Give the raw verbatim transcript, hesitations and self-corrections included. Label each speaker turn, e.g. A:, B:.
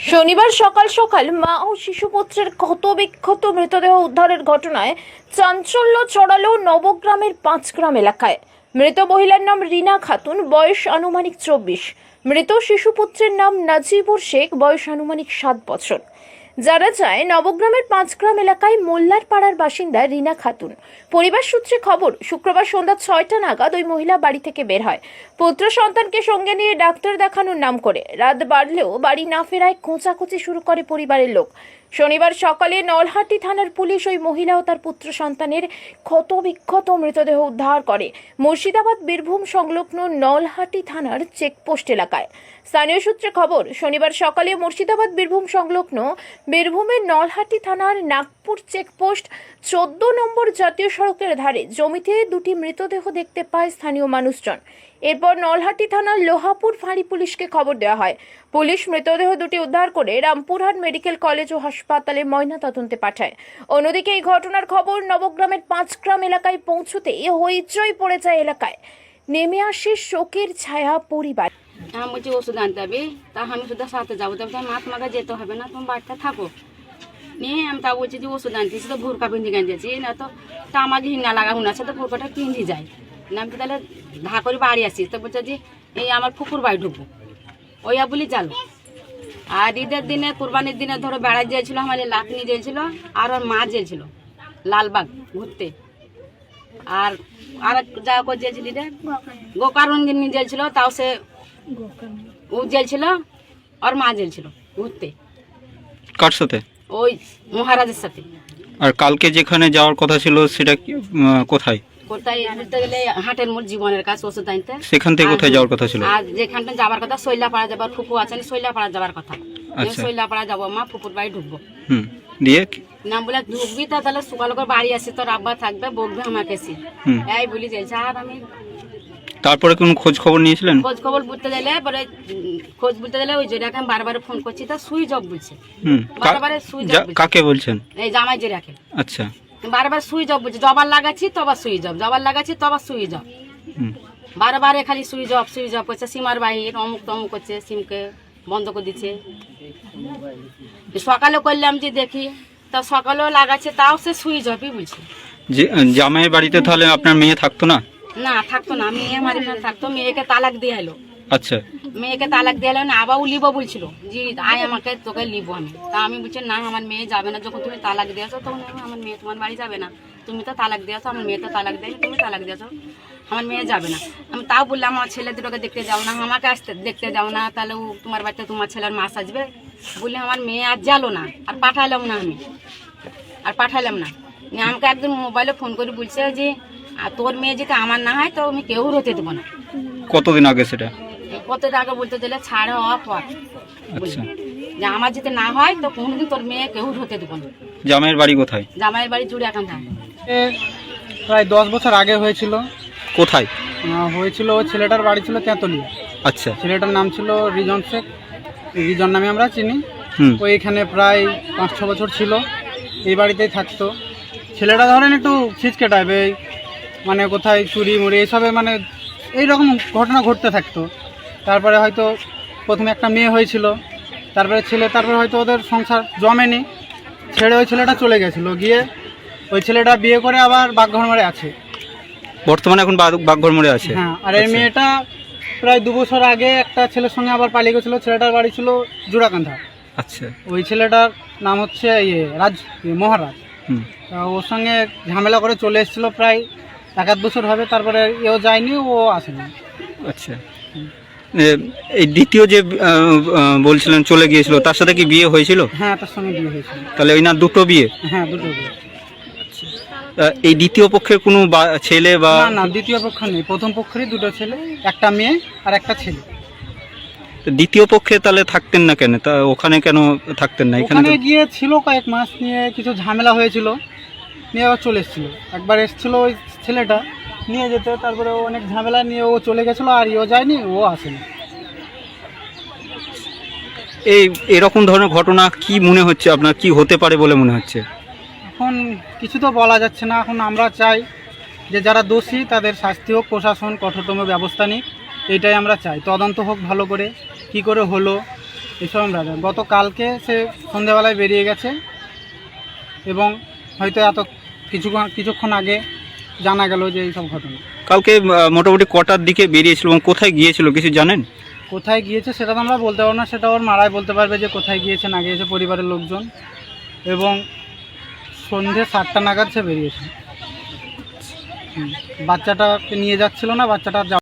A: শনিবার সকাল সকাল মা ও শিশুপুত্রের ক্ষতবিক্ষত মৃতদেহ উদ্ধারের ঘটনায় চাঞ্চল্য ছড়ালো নবগ্রামের পাঁচগ্রাম এলাকায়। মৃত মহিলার নাম রিনা খাতুন, বয়স আনুমানিক চব্বিশ। মৃত শিশুপুত্রের নাম নাজিবুর শেখ, বয়স আনুমানিক সাত বছর। জানা যায়, নবগ্রামের পাঁচগ্রাম এলাকায় মোল্লার পাড়ার বাসিন্দা রিনা খাতুন। পরিবার সূত্রে খবর, শুক্রবার সন্ধ্যা ছয়টা নাগাদ ওই মহিলা বাড়ি থেকে বের হয় পুত্র সন্তানকে সঙ্গে নিয়ে ডাক্তার দেখানোর নাম করে। রাত বাড়লেও বাড়ি না ফেরায় খোঁচাখুচি শুরু করে পরিবারের লোক। শনিবার সকালে নলহাটি থানার পুলিশ ওই মহিলা ও তার পুত্র সন্তানের ক্ষতবিক্ষত মৃতদেহ উদ্ধার করে মুর্শিদাবাদ বীরভূম সংলগ্ন নলহাটি থানার চেকপোস্ট এলাকায়। স্থানীয় সূত্রে খবর, শনিবার সকালে মুর্শিদাবাদ বীরভূম সংলগ্ন বীরভূমের নলহাটি থানার নাগপুর চেকপোস্ট চোদ্দ নম্বর জাতীয় সড়কের ধারে জমিতে দুটি মৃতদেহ দেখতে পায় স্থানীয় মানুষজন। এরপর নলহাটি থানার লোহাপুর ফাঁড়ি পুলিশকে খবর দেওয়া হয়। পুলিশ মৃতদেহ দুটি উদ্ধার করে রামপুরহাট মেডিকেল কলেজ ও হাসপাতালে ময়নাতদন্তে পাঠায়। অন্যদিকে এই ঘটনার খবর নবগ্রামের পাঁচগ্রাম এলাকায় পৌঁছতে হইচই পড়ে যায় এলাকায়। নেমে আসে শোকের ছায়া পরিবার।
B: আমি বলছি ওষুধ আনতে হবে, তা আমি শুধু সাথে যাবো, তবে মা তোমাকে যেতে হবে না, তুমি বাড়িতে থাকো। নিয়ে আমি তা বলছি যে ওষুধ আনতেছি, তো ভুরকা পিন্ধি আনতেছি না, তো তা আমাকে হিঙ্গা লাগা হুন আছে, তো ভুরকাটা পিন্ধি যায় না। আমি তো তাহলে ধা করে বাড়ি আসি, তো বলছে যে এই আমার পুকুর বাড়ি ঢুকবো, ওইয়া বলি চালো। আর ঈদের দিনে কুরবানির দিনে ধরো বেড়ায় গিয়েছিল, আমার লাখ নিয়ে গিয়েছিল, আর ওর মা গিয়েছিল লালবাগ ঘুরতে। আর আর যা করে গিয়েছিল রে গোকারঞ্জিন নিয়ে গিয়েছিল, তাও সে ও জেলছিল, আর মা জেলছিল ঘুরতে।
C: কার সাথে?
B: ওই মহারাজের সাথে।
C: আর কালকে যেখানে যাওয়ার কথা ছিল সেটা কি, আহ, কোথায়?
B: কোথায় বলতে গেলে হাটের মোড় জীবনের কাছে ওষুধ আনতে।
C: সেখান থেকে কোথায় যাওয়ার কথা ছিল?
B: আর যেখানটা যাবার কথা শৈলাপাড়া যাবার, ফুপু আছেন শৈলাপাড়া যাবার কথা।
C: আচ্ছা।
B: শৈলাপাড়া যাবো, মা ফুপুর বাড়ি ঢুকবো।
C: হুম, দিয়ে
B: না বলে ঢুকবি তা তাহলে সকাল করে বাড়ি আসি, তোর আব্বা থাকবে, বকবে আমাকে এসে
C: হুম।
B: এই বলি যাইছে। আর আমি
C: তারপরে কোন খোঁজ খবর নিয়েছিলেন?
B: খোঁজ খবর বলতে গেলে পরে খোঁজ বলতে গেলে ওই জন্য আমি বারবার ফোন করছি, তা সুইচ অফ বলছে।
C: হুম,
B: বারবার সুইচ অফ।
C: কাকে বলছেন?
B: এই জামাই যে রাখে।
C: আচ্ছা।
B: বারবার সুইচ অফ বলছে, জবার লাগাচ্ছি তবার সুইচ অফ, জবার লাগাচ্ছি তবার সুইচ অফ।
C: হুম।
B: বারবার খালি সুইচ অফ সুইচ অফ করছে। সিমার বাহির অমুক তমুক করছে, সিমকে বন্ধ করে দিচ্ছে। সকালে করলাম যে দেখি, তা সকালেও লাগাচ্ছে, তাও সে সুইচ অফই বলছে।
C: যে জামাইয়ের বাড়িতে তাহলে আপনার মেয়ে থাকতো না?
B: না থাকতো না, মেয়ে আমার এখানে থাকতো, মেয়েকে তালাক দিয়ে এলো।
C: আচ্ছা।
B: মেয়েকে তালাক দিয়ে এলো না, আবার ও লিবো বলছিল যে আয় আমাকে, তোকে লিবো আমি। তা আমি বলছি না, আমার মেয়ে যাবে না, যখন তুমি তালাক দিয়েছো তখন আমার মেয়ে তোমার বাড়ি যাবে না। তুমি তো তালাক দিয়েছো, আমার মেয়ে তো তালাক দেয়নি, তুমি তালাক দিয়েছো, আমার মেয়ে যাবে না। আমি তাও বললাম আমার ছেলে দুটোকে দেখতে যাও না, আমাকে আসতে দেখতে যাও না, তাহলে ও তোমার বাড়িতে তোমার ছেলের মাস আসবে বললে আমার মেয়ে আর গেলো না, আর পাঠালাম না আমি, আর পাঠালাম না। আমাকে একদিন মোবাইলে ফোন করে বলছে যে আর তোর মেয়ে যদি আমার না হয় তো আমি কেউ হতে দেবো না।
C: কতদিন আগে সেটা?
B: কত আগে বলতে দিলে ছাড় হওয়া পর
C: আচ্ছা।
B: যে আমার যদি না হয় তো কোনোদিন তোর মেয়ে কেউ হতে দেবো না।
C: জামাইয়ের বাড়ি কোথায়?
B: জামাইয়ের বাড়ি জুড়ে এখন থাকে।
D: প্রায় দশ বছর আগে হয়েছিল।
C: কোথায়
D: আহ, হয়েছিল ওই ছেলেটার বাড়ি ছিল তেঁতুলিয়া।
C: আচ্ছা।
D: ছেলেটার নাম ছিল রিজন শেখ, রিজন নামে আমরা চিনি।
C: হুম।
D: ওই এখানে প্রায় পাঁচ ছ বছর ছিল, এই বাড়িতেই থাকতো। ছেলেটা ধরেন একটু ছিচকে টাইপ, এই মানে কোথায় চুরি মুড়ি এইসবে মানে এইরকম ঘটনা ঘটতে থাকতো। তারপরে হয়তো প্রথমে একটা মেয়ে হয়েছিল, তারপরে ছেলে, তারপরে হয়তো ওদের সংসার জমেনি, ছেড়ে ওই ছেলেটা চলে গেছিলো। গিয়ে ওই ছেলেটা বিয়ে করে আবার বাগঘরমারে আছে
C: বর্তমানে, এখন বাগঘর মোড়ে আছে।
D: হ্যাঁ। আর এই মেয়েটা প্রায় দু বছর আগে একটা ছেলের সঙ্গে আবার পালিয়ে গেছিলো। ছেলেটার বাড়ি ছিল জোড়াকান্ধা।
C: আচ্ছা।
D: ওই ছেলেটার নাম হচ্ছে ইয়ে রাজ, মহারাজ।
C: হুম।
D: তা ওর সঙ্গে ঝামেলা করে চলে এসেছিলো, প্রায় এক আধ বছর হবে। তারপরে এও যায়নি, ও আসেনি।
C: আচ্ছা। এই দ্বিতীয় যে আহ, আহ, বলছিলেন চলে গিয়েছিল, তার সাথে কি বিয়ে হয়েছিল?
D: হ্যাঁ, তার সঙ্গে বিয়ে হয়েছিল।
C: তাহলে ওই না দুটো বিয়ে?
D: হ্যাঁ, দুটো বিয়ে।
C: আহ, এই দ্বিতীয় পক্ষের কোনো বা- ছেলে বা?
D: না না, দ্বিতীয় পক্ষ নেই, প্রথম পক্ষেরই দুটো ছেলে, একটা মেয়ে আর একটা ছেলে।
C: দ্বিতীয় পক্ষে তাহলে থাকতেন না কেন? তা ওখানে কেন থাকতেন না? এখানে
D: ওখানে
C: তো-
D: গিয়ে ছিল কয়েক মাস, নিয়ে কিছু ঝামেলা হয়েছিল, নিয়ে আবার চলে এসেছিল। একবার এসেছিল ওই ছেলেটা নিয়ে যেতে, তারপরে ও অনেক ঝামেলা নিয়ে ও চলে গেছিলো, আর ও যায়নি, ও আসেনি।
C: এই এরকম ধরনের ঘটনা কি মনে হচ্ছে আপনার, কি হতে পারে বলে মনে হচ্ছে?
D: এখন কিছু তো বলা যাচ্ছে না। এখন আমরা চাই যে যারা দোষী তাদের শাস্তি হোক, প্রশাসন কঠোরতম ব্যবস্থা নিক, এইটাই আমরা চাই। তদন্ত হোক ভালো করে, কি করে হলো এইসব আমরা জানি। গতকালকে সে সন্ধ্যেবেলায় বেরিয়ে গেছে এবং হয়তো এত কিছুক্ষণ কিছুক্ষণ আগে জানা গেল যে এইসব ঘটনা।
C: কালকে আহ, মোটামুটি কটার দিকে বেরিয়েছিল এবং কোথায় গিয়েছিল কিছু জানেন?
D: কোথায় গিয়েছে সেটা তো আমরা বলতে পারবো না, সেটা ওর মারাই বলতে পারবে যে কোথায় গিয়েছে না গিয়েছে, পরিবারের লোকজন। এবং সন্ধ্যে সাতটা নাগাদ সে বেরিয়েছে। হুম, বাচ্চাটাকে নিয়ে যাচ্ছিল না, বাচ্চাটা